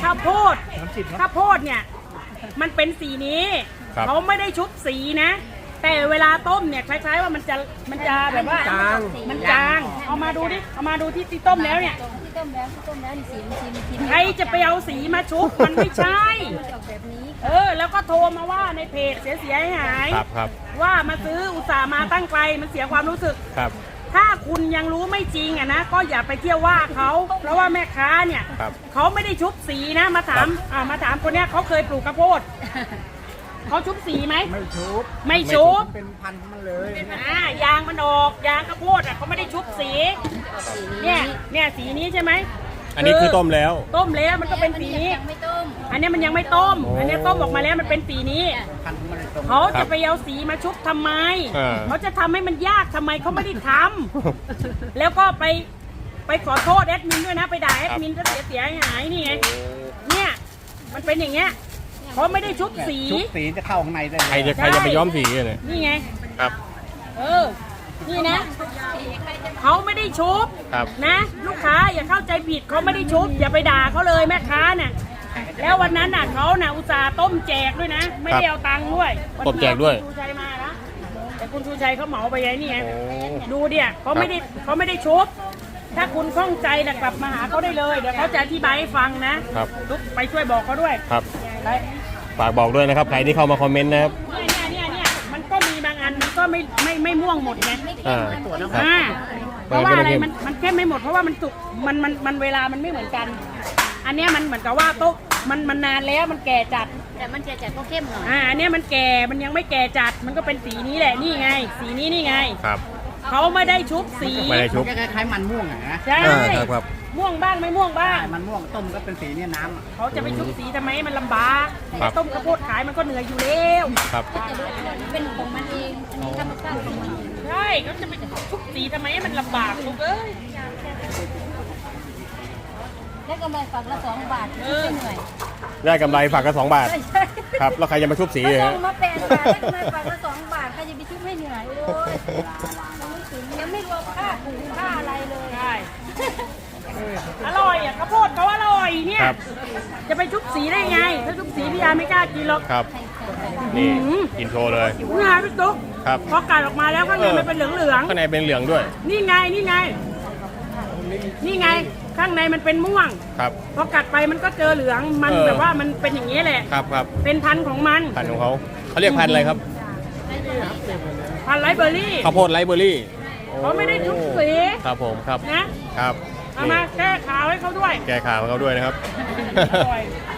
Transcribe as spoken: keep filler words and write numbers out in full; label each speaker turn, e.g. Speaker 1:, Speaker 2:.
Speaker 1: าวโพดข้าวโพดเนี่ยมันเป็นสีนี้เขาไม่ได้ชุบสีนะ แต่เวลาต้มเนี่ยคล้ายๆว่ามันจะมันจะแบบว่าจางมันจางเอามาดูดิเอามาดูที่ที่ต้มแล้วเนี่ย
Speaker 2: ที่ต้มแล้วที่ต้มแล้วนี่สีมันสีมันสี
Speaker 1: ใครจะไปเอาสีมาชุบมันไม่ใช่
Speaker 2: แบบนี้
Speaker 1: เออแล้วก็โทรมาว่าในเพจเสียเสียหาย
Speaker 3: ครับครับ
Speaker 1: ว่ามาซื้ออุตส่าห์มาตั้งไกลมันเสียความรู้สึก
Speaker 3: ครับ
Speaker 1: ถ้าคุณยังรู้ไม่จริงอ่ะนะก็อย่าไปเที่ยวว่าเขาเพราะว่าแม่ค้าเนี่ยเขาไม่ได้ชุบสีนะมาถามอ่ามาถามคนเนี้ยเขาเคยปลูกข้าวโพดเขาชุบสีไหม
Speaker 4: ไม่ชุบ
Speaker 1: ไม่ชุบ
Speaker 4: เป็นพันมันเลย
Speaker 1: อ่ายางมันออกยางข้าวโพดอ่ะเขาไม่ได้ชุบสีเนี่ยเนี่ยสีนี้ใช่ไหม
Speaker 3: อันนี้คือต้มแล้ว
Speaker 1: ต้มแล้วมันก็เป็นสีนี้อันนี้มันยังไม่ต้มอันนี้ต้มออกมาแล้วมันเป็นสีนี้เขาจะไปเอาสีมาชุบทำไมเขาจะทำให้มันยากทำไมเขาไม่ได้ทำแล้วก็ไปไปขอโทษแอดมินด้วยนะไปด่าแอดมินก็เสียเสียหายนี่ไงเนี่ยมันเป็นอย่างเงี้ยเขาไม่ได้ชุบสี
Speaker 4: ชุบสีจะเข้าข้างในได้
Speaker 3: ใครจะใครจะไปย้อมสีเลย
Speaker 1: นี่ไง
Speaker 3: ครับ
Speaker 1: เออนี่นะเขาไม่ได้ชุบนะลูกค้าอย่าเข้าใจผิดเขาไม่ได้ชุบอย่าไปด่าเขาเลยแม่ค้าเนี่ยแล้ววันนั้นน่ะเขาน่ะอุตส่าห์ต้มแจกด้วยนะไม่ได้เอาตังค์ด้วย
Speaker 3: ต้มแจกด้วย
Speaker 1: คุณชูชัยมานะแต่คุณชูชัยเขาเหมาไปไงนี่ไงดูเดี๋ยเขาไม่ได้เขาไม่ได้ชุบถ้าคุณข้องใจนะกลับมาหาเขาได้เลยเดี๋ยวเขาจะอธิบายให้ฟังนะครับทุกไปช่วยบอกเขาด้วย
Speaker 3: ครับฝากบอกด้วยนะครับใครที่เข้ามาคอมเมนต์นะครับ
Speaker 1: เนี่ยเนี่ยเนี่ยมันก็มีบางอันมันก็ไม่ไม่ไม่ม่วงหมดไง
Speaker 3: อ่า
Speaker 1: เพราะว่าอะไรมันมันเข้มไม่หมดเพราะว่ามันสุกมันมันมันเวลามันไม่เหมือนกันอันนี้มันเหมือนกับว่าโต๊ะมันมันนานแล้วมันแก่จัด
Speaker 2: แต่มันแก่จัดก็เข้มหน่อย
Speaker 1: อ่าอันนี้มันแก่มันยังไม่แก่จัดมันก็เป็นสีนี้แหละนี่ไงสีนี้นี่ไง
Speaker 3: ครับ
Speaker 1: เขาไม่ได้ชุบสี
Speaker 3: ไม่ได้ชุบ
Speaker 4: คล้ายๆมันม่วงอ่ะนะ
Speaker 1: ใช่ครับม่วงบ้างไม่ม่วงบ้าง
Speaker 4: มันม่วงต้มก็เป็นสีเนี่ยน้ำ
Speaker 1: เขาจะไปชุบสีทำไมมันลำบากต้มข้าวโพดขายมันก็เหนื่อยอยู่แล้ว
Speaker 3: ครับ
Speaker 2: เป็นของมันเองอันนี้ธรรมชาติของมัน
Speaker 1: ใช่เขาจะไปชุบสีทำไมมันลำบากลูกเอ้ย
Speaker 2: ได้กำไรฝักละสองบาทไม่เหนื่อย
Speaker 3: ได้กำไรฝักละสองบาทครับแล้วใครจะมาชุบสี
Speaker 2: เลยมาแปดบาทได้กำไรฝักละสองบาทใครจะไปชุบให้เหนื่อยโอ้ยยังไม่รวมค่าปุ๋ยค่าอะไรเลย
Speaker 1: ใช่อร่อยอ่ะข้าวโพดเขาอร่อยเนี่ยจะไปชุบสีได้ไงถ้าชุบสีพี่ยาไม่กล้ากินหรอก
Speaker 3: ครับนี่กินโชว์เลย
Speaker 1: นี่ไงพี่ตุ๊ก
Speaker 3: ครับ
Speaker 1: พอกัดออกมาแล้วข้างในมันเป็นเหลืองเหลือง
Speaker 3: ข้างในเป็นเหลืองด้วย
Speaker 1: นี่ไงนี่ไงนี่ไงข้างในมันเป็นม่วง
Speaker 3: ครับ
Speaker 1: พอกัดไปมันก็เจอเหลืองมันแบบว่ามันเป็นอย่างนี้แหละ
Speaker 3: ครับครับ
Speaker 1: เป็นพันธุ์ของมัน
Speaker 3: พันธุ์ของเขาเขาเรียกพันธุ์อะไรครับ
Speaker 1: พันธุ์ไรเบอร์รี่
Speaker 3: ข้าวโพดไรเบอร์รี่
Speaker 1: เขาไม่ได้ชุบสี
Speaker 3: ครับผมครับ
Speaker 1: นะครับเอามาแก้ขาวให้เขาด้วย
Speaker 3: แก้ขาวให้เขาด้วยนะครับ